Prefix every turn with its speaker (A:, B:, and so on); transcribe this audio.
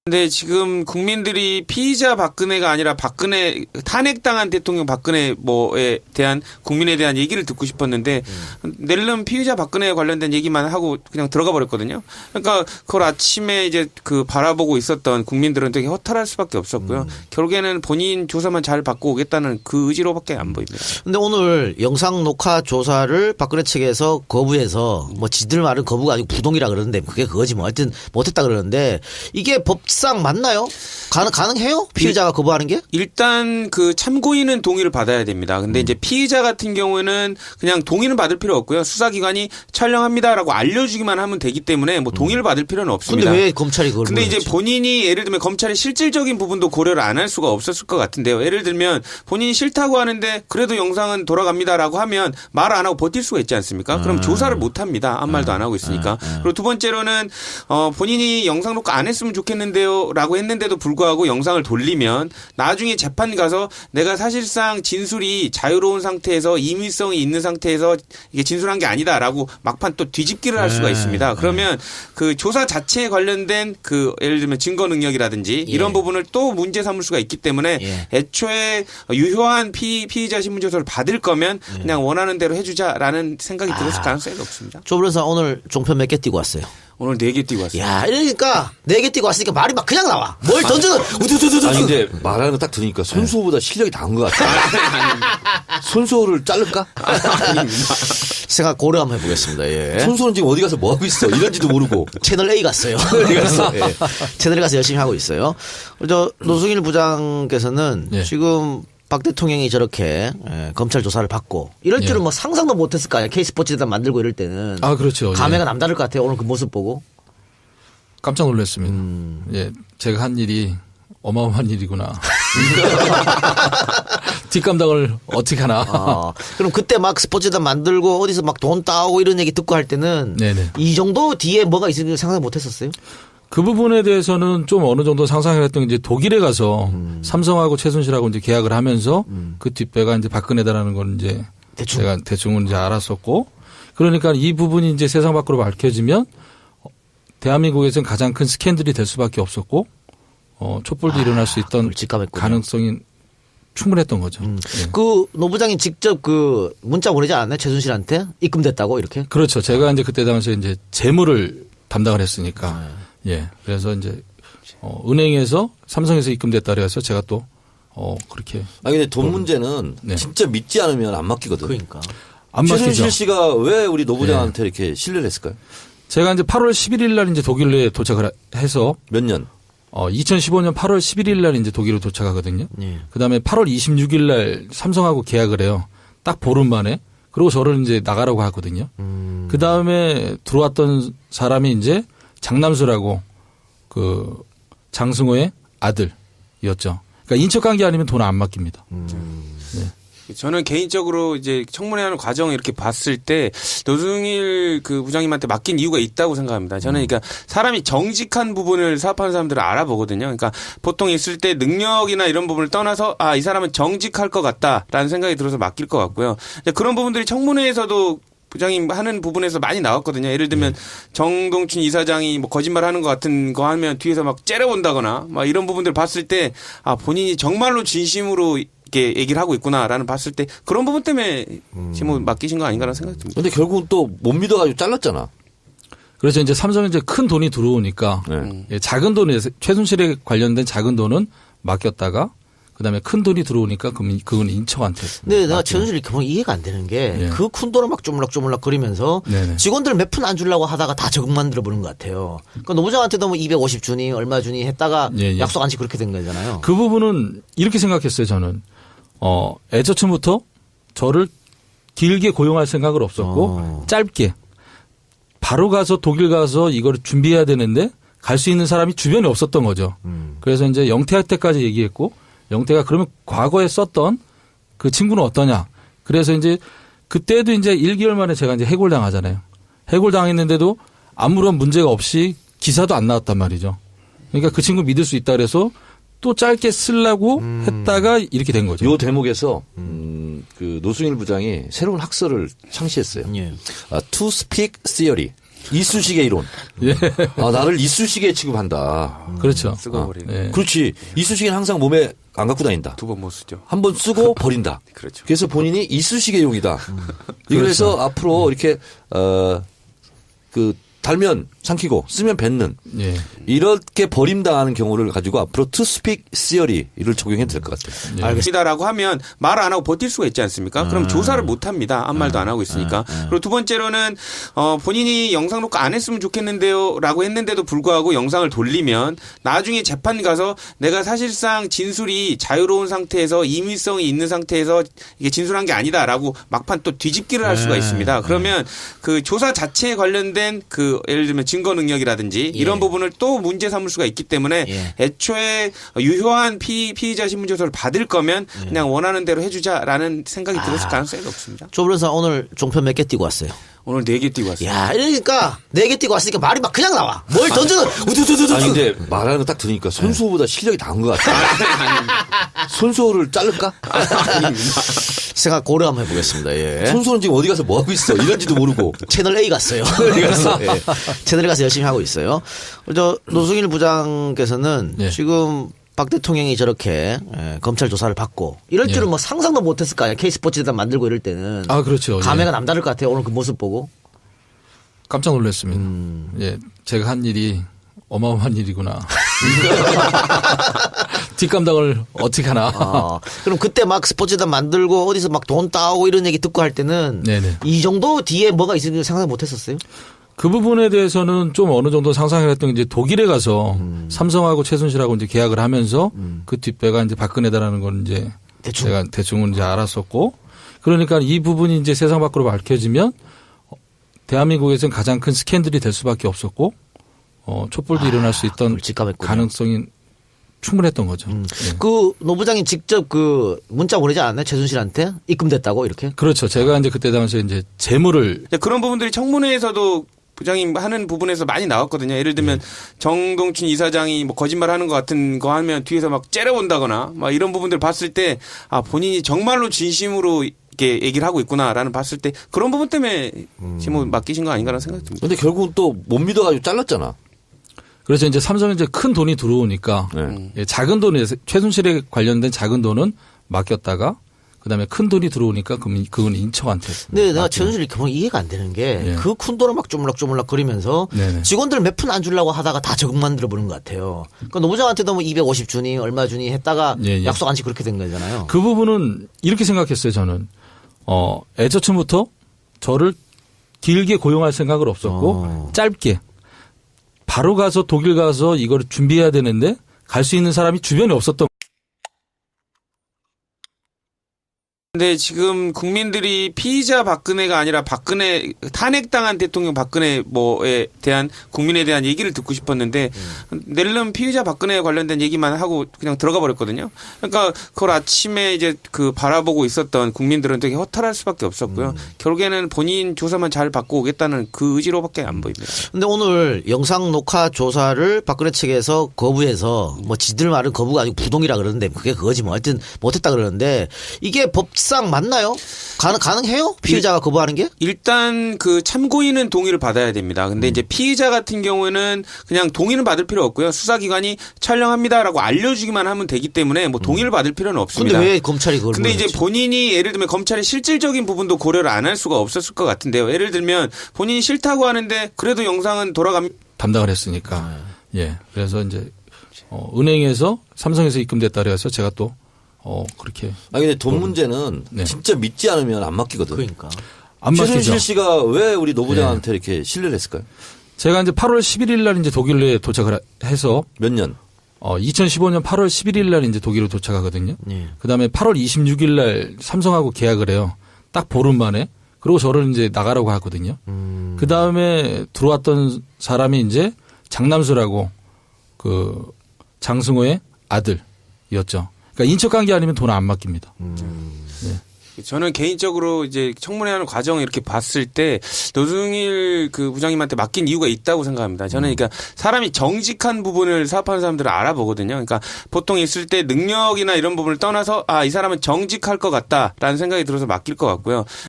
A: 근데 지금 국민들이 피의자 박근혜가 아니라 박근혜 탄핵당한 대통령 박근혜 뭐에 대한 국민에 대한 얘기를 듣고 싶었는데 낼름 피의자 박근혜에 관련된 얘기만 하고 그냥 들어가 버렸거든요. 그러니까 그걸 아침에 이제 그 바라보고 있었던 국민들은 되게 허탈할 수밖에 없었고요. 결국에는 본인 조사만 잘 받고 오겠다는 그 의지로밖에 안 보입니다.
B: 근데 오늘 영상 녹화 조사를 박근혜 측에서 거부해서 뭐 지들 말은 거부가 아니고 부동이라 그러는데 그게 그거지 뭐 하여튼 못했다 그러는데 이게 법상 맞나요? 가능해요? 피의자가 거부하는 게?
A: 일단 그 참고인은 동의를 받아야 됩니다. 근데 이제 피의자 같은 경우에는 그냥 동의는 받을 필요 없고요. 수사기관이 촬영합니다라고 알려주기만 하면 되기 때문에 뭐 동의를 받을 필요는 없습니다.
B: 근데 왜 검찰이 그걸
A: 근데 이제
B: 보냈지?
A: 본인이 예를 들면 검찰이 실질적인 부분도 고려를 안 할 수가 없었을 것 같은데요. 예를 들면 본인이 싫다고 하는데 그래도 영상은 돌아갑니다라고 하면 말 안 하고 버틸 수가 있지 않습니까? 그럼 조사를 못 합니다. 아무 말도 안 하고 있으니까. 그리고 두 번째로는 본인이 영상 녹화 안 했으면 좋겠는데요라고 했는데도 불구하고 영상을 돌리면 나중에 재판 가서 내가 사실상 진술이 자유로운 상태에서 임의성이 있는 상태에서 이게 진술한 게 아니다라고 막판 또 뒤집기를 할 수가 있습니다. 그러면 그 조사 자체에 관련된 그 예를 들면 증거 능력이라든지 이런 부분을 또 문제 삼을 수가 있기 때문에 애초에 유효한 피의자 신문조서를 받을 거면 그냥 원하는 대로 해주자라는 생각이 들었을 가능성이 높습니다.
B: 조 변호사 오늘 종편 몇 개 띄고 왔어요?
A: 오늘 4개 띄고 왔습니다.
B: 야, 이러니까 4개 띄고 왔으니까 말이 막 그냥 나와. 뭘 던져도 우두두두두.
C: 아니 근데 말하는 거 딱 들으니까 손수호보다 실력이 나은 것 같아. 손수호를 자를까?
B: 생각 고려 한번 해보겠습니다. 예.
C: 손수호는 지금 어디 가서 뭐 하고 있어? 이런지도 모르고.
B: 채널 A 갔어요. 예. 채널 A 가서 열심히 하고 있어요. 저 노승일 부장께서는 지금 박 대통령이 저렇게 검찰 조사를 받고 이럴 줄은 뭐 상상도 못했을 거 아니야. K스포츠에다 만들고 이럴 때는.
D: 아, 그렇죠.
B: 감회가 남다를 것 같아요. 오늘 그 모습 보고.
D: 깜짝 놀랐습니다. 예, 제가 한 일이 어마어마한 일이구나. 뒷감당을 어떻게 하나.
B: 그럼 그때 막 스포츠단 만들고 어디서 막 돈 따오고 이런 얘기 듣고 할 때는
D: 네네.
B: 이 정도 뒤에 뭐가 있을지 상상 못했었어요?
D: 그 부분에 대해서는 좀 어느 정도 상상을 했던 게 이제 독일에 가서 삼성하고 최순실하고 이제 계약을 하면서 그 뒷배가 이제 박근혜다라는 걸 이제 제가 대충은 이제 알았었고 그러니까 이 부분이 이제 세상 밖으로 밝혀지면 대한민국에서는 가장 큰 스캔들이 될 수밖에 없었고 촛불도 일어날 수 있던 가능성이 충분했던 거죠. 네.
B: 그 노 부장이 직접 그 문자 보내지 않았나요? 최순실한테 입금됐다고 이렇게?
D: 그렇죠. 제가 이제 그때 당시에 이제 재무를 담당을 했으니까 예. 그래서 이제 은행에서 삼성에서 입금됐다 그래서 제가 또 그렇게.
C: 아니 근데 돈 문제는 진짜 믿지 않으면 안 맡기거든.
B: 그러니까.
D: 안 맡기죠.
C: 최순실 씨가 왜 우리 노 부장한테 이렇게 신뢰를 했을까요?
D: 제가 이제 8월 11일 날 이제 독일에 도착을 해서
C: 몇 년?
D: 2015년 8월 11일 날 이제 독일로 도착하거든요. 그다음에 8월 26일 날 삼성하고 계약을 해요. 딱 보름 만에. 그리고 저를 이제 나가라고 하거든요. 그다음에 들어왔던 사람이 이제 장남수라고 그 장승호의 아들이었죠. 그러니까 인척 관계 아니면 돈 안 맡깁니다. 네.
A: 저는 개인적으로 이제 청문회하는 과정을 이렇게 봤을 때 노승일 그 부장님한테 맡긴 이유가 있다고 생각합니다. 저는 그러니까 사람이 정직한 부분을 사업하는 사람들을 알아보거든요. 그러니까 보통 있을 때 능력이나 이런 부분을 떠나서 이 사람은 정직할 것 같다라는 생각이 들어서 맡길 것 같고요. 그런 부분들이 청문회에서도 부장님 하는 부분에서 많이 나왔거든요. 예를 들면 정동춘 이사장이 뭐 거짓말하는 것 같은 거 하면 뒤에서 막 째려본다거나 막 이런 부분들 봤을 때 본인이 정말로 진심으로 이렇게 얘기를 하고 있구나라는 봤을 때 그런 부분 때문에 지금 맡기신 거 아닌가라는 생각이 듭니다.
C: 근데 결국은 또 못 믿어가지고 잘랐잖아.
D: 그래서 이제 삼성에 이제 큰 돈이 들어오니까 작은 돈에 최순실에 관련된 작은 돈은 맡겼다가 그다음에 큰 돈이 들어오니까 그건 인척한테.
B: 근데 내가 최순실이 정말 이해가 안 되는 게 그 큰 돈을 막 쪼물락쪼물락 거리면서 직원들 몇 푼 안 주려고 하다가 다 적응 만들어 보는 것 같아요. 그러니까 노 부장한테도 뭐 250 주니 얼마 주니 했다가 약속 안 지고 그렇게 된 거잖아요.
D: 그 부분은 이렇게 생각했어요. 저는 애초부터 저를 길게 고용할 생각은 없었고 짧게 바로 가서 독일 가서 이걸 준비해야 되는데 갈 수 있는 사람이 주변에 없었던 거죠. 그래서 이제 영태할 때까지 얘기했고 영태가 그러면 과거에 썼던 그 친구는 어떠냐. 그래서 이제 그때도 이제 1개월 만에 제가 이제 해골당하잖아요. 해골당했는데도 아무런 문제가 없이 기사도 안 나왔단 말이죠. 그러니까 그 친구 믿을 수 있다 그래서 또 짧게 쓰려고 했다가 이렇게 된 거죠.
C: 요 대목에서 그 노승일 부장이 새로운 학설을 창시했어요. To speak theory. 이쑤시개 이론.
D: 예.
C: 아, 나를 이쑤시개 취급한다.
D: 그렇죠.
A: 쓰고 버리고
D: 예.
C: 그렇지. 이쑤시개는 항상 몸에 안 갖고 다닌다.
A: 두 번 못 쓰죠.
C: 한 번 쓰고 버린다.
A: 그렇죠.
C: 그래서 본인이 이쑤시개용이다. 그래서 앞으로 이렇게 달면 삼키고 쓰면 뱉는
D: 예.
C: 이렇게 버림당하는 경우를 가지고 앞으로 투스픽 시어리를 적용해도 될 것 같아요.
A: 알겠습니다라고 하면 말 안 하고 버틸 수가 있지 않습니까? 그럼 조사를 못 합니다. 아무 말도 안 하고 있으니까. 그리고 두 번째로는 본인이 영상 녹화 안 했으면 좋겠는데요라고 했는데도 불구하고 영상을 돌리면 나중에 재판 가서 내가 사실상 진술이 자유로운 상태에서 임의성이 있는 상태에서 이게 진술한 게 아니다라고 막판 또 뒤집기를 할 수가 있습니다. 그러면 그 조사 자체에 관련된 그 예를 들면 증거 능력이라든지 이런 부분을 또 문제 삼을 수가 있기 때문에 애초에 유효한 피의자 신문조서를 받을 거면 그냥 원하는 대로 해주자라는 생각이 들었을 가능성이 높습니다.
B: 조 변호사 오늘 종편 몇 개 띄고 왔어요?
A: 오늘 4개 띄고 왔습니다.
B: 야, 이러니까 4개 띄고 왔으니까 말이 막 그냥 나와. 뭘 던져도 우두두두두.
C: 아니 근데 말하는 거 딱 들으니까 손수호보다 실력이 나은 것 같아. 손수호를 자를까?
B: 생각 고려 한번 해보겠습니다. 예.
C: 손수호는 지금 어디 가서 뭐 하고 있어? 이런지도 모르고.
B: 채널 A 갔어요. 예. 채널 A 가서 열심히 하고 있어요. 노승일 부장께서는 지금 박 대통령이 저렇게 검찰 조사를 받고 이럴 줄은 뭐 상상도 못했을 거 아니에요. K스포츠재단 만들고 이럴 때는.
D: 아, 그렇죠.
B: 감회가 남다를 것 같아요. 오늘 그 모습 보고.
D: 깜짝 놀랐습니다. 예. 제가 한 일이 어마어마한 일이구나. 뒷감당을 어떻게 하나.
B: 그럼 그때 막 스포츠재단 만들고 어디서 막 돈 따오고 이런 얘기 듣고 할 때는
D: 네네.
B: 이 정도 뒤에 뭐가 있을지 상상 못했었어요?
D: 그 부분에 대해서는 좀 어느 정도 상상을 했던 게 이제 독일에 가서 삼성하고 최순실하고 이제 계약을 하면서 그 뒷배가 이제 박근혜다라는 걸 이제 제가 대충은 이제 알았었고, 그러니까 이 부분이 이제 세상 밖으로 밝혀지면 대한민국에서는 가장 큰 스캔들이 될 수밖에 없었고, 촛불도 일어날 수 있던 가능성이 충분했던 거죠.
B: 그 노 부장이 직접 그 문자 보내지 않았나요? 최순실한테 입금됐다고 이렇게?
D: 그렇죠. 제가 이제 그때 당시에 이제 재물을
A: 그런 부분들이 청문회에서도 부장님 하는 부분에서 많이 나왔거든요. 예를 들면 정동춘 이사장이 뭐 거짓말하는 것 같은 거 하면 뒤에서 막 째려본다거나 막 이런 부분들 봤을 때 아 본인이 정말로 진심으로 이렇게 얘기를 하고 있구나라는 봤을 때 그런 부분 때문에 지금 맡기신 거 아닌가라는 생각이 듭니다.
C: 근데 결국은 또 못 믿어가지고 잘랐잖아.
D: 그래서 이제 삼성에 이제 큰 돈이 들어오니까 작은 돈에 최순실에 관련된 작은 돈은 맡겼다가 그다음에 큰 돈이 들어오니까 그건 인척한테.
B: 근데 내가 최순실이 그만 이해가 안 되는 게 그 큰 돈을 막 쪼물락쪼물락 거리면서 직원들 몇 푼 안 주려고 하다가 다 적응 만들어 보는 것 같아요. 그러니까 노부장한테도 뭐 250 주니 얼마 주니 했다가 약속 안 지고 그렇게 된 거잖아요.
D: 그 부분은 이렇게 생각했어요. 저는 애초부터 저를 길게 고용할 생각을 없었고 짧게 바로 가서 독일 가서 이걸 준비해야 되는데 갈 수 있는 사람이 주변에 없었던.
A: 근데 지금 국민들이 피의자 박근혜가 아니라 박근혜 탄핵당한 대통령 박근혜 뭐에 대한 국민에 대한 얘기를 듣고 싶었는데 낼름 피의자 박근혜에 관련된 얘기만 하고 그냥 들어가 버렸거든요. 그러니까 그걸 아침에 이제 그 바라보고 있었던 국민들은 되게 허탈할 수밖에 없었고요. 결국에는 본인 조사만 잘 받고 오겠다는 그 의지로밖에 안 보입니다.
B: 근데 오늘 영상 녹화 조사를 박근혜 측에서 거부해서 뭐 지들 말은 거부가 아니고 부동이라 그러는데 그게 그거지 뭐 하여튼 못했다 그러는데 이게 법상 맞나요? 가능해요? 피의자가 거부하는 게?
A: 일단 그 참고인은 동의를 받아야 됩니다. 근데 이제 피의자 같은 경우에는 그냥 동의는 받을 필요 없고요. 수사기관이 촬영합니다라고 알려주기만 하면 되기 때문에 뭐 동의를 받을 필요는 없습니다.
B: 근데 왜 검찰이 그걸
A: 근데 이제
B: 몰랐지?
A: 본인이 예를 들면 검찰의 실질적인 부분도 고려를 안 할 수가 없었을 것 같은데요. 예를 들면 본인이 싫다고 하는데 그래도 영상은
D: 담당을 했으니까. 예. 그래서 이제 은행에서 삼성에서 입금됐다 그래서 제가 또 그렇게.
C: 아니 근데 돈 문제는 진짜 믿지 않으면 안 맡기거든.
B: 그러니까.
D: 안 맡기죠.
C: 최순실 씨가 왜 우리 노 부장한테 이렇게 신뢰를 했을까요?
D: 제가 이제 8월 11일 날 이제 독일에 도착을 해서
C: 몇 년?
D: 2015년 8월 11일 날 이제 독일로 도착하거든요. 그다음에 8월 26일 날 삼성하고 계약을 해요. 딱 보름 만에. 그리고 저를 이제 나가라고 하거든요. 그다음에 들어왔던 사람이 이제 장남수라고 그 장승호의 아들이었죠. 그러니까 인척 관계 아니면 돈 안 맡깁니다.
A: 저는 개인적으로 이제 청문회하는 과정을 이렇게 봤을 때 노승일 그 부장님한테 맡긴 이유가 있다고 생각합니다. 저는 그러니까 사람이 정직한 부분을 사업하는 사람들은 알아보거든요. 그러니까 보통 있을 때 능력이나 이런 부분을 떠나서 아, 이 사람은 정직할 것 같다라는 생각이 들어서 맡길 것 같고요.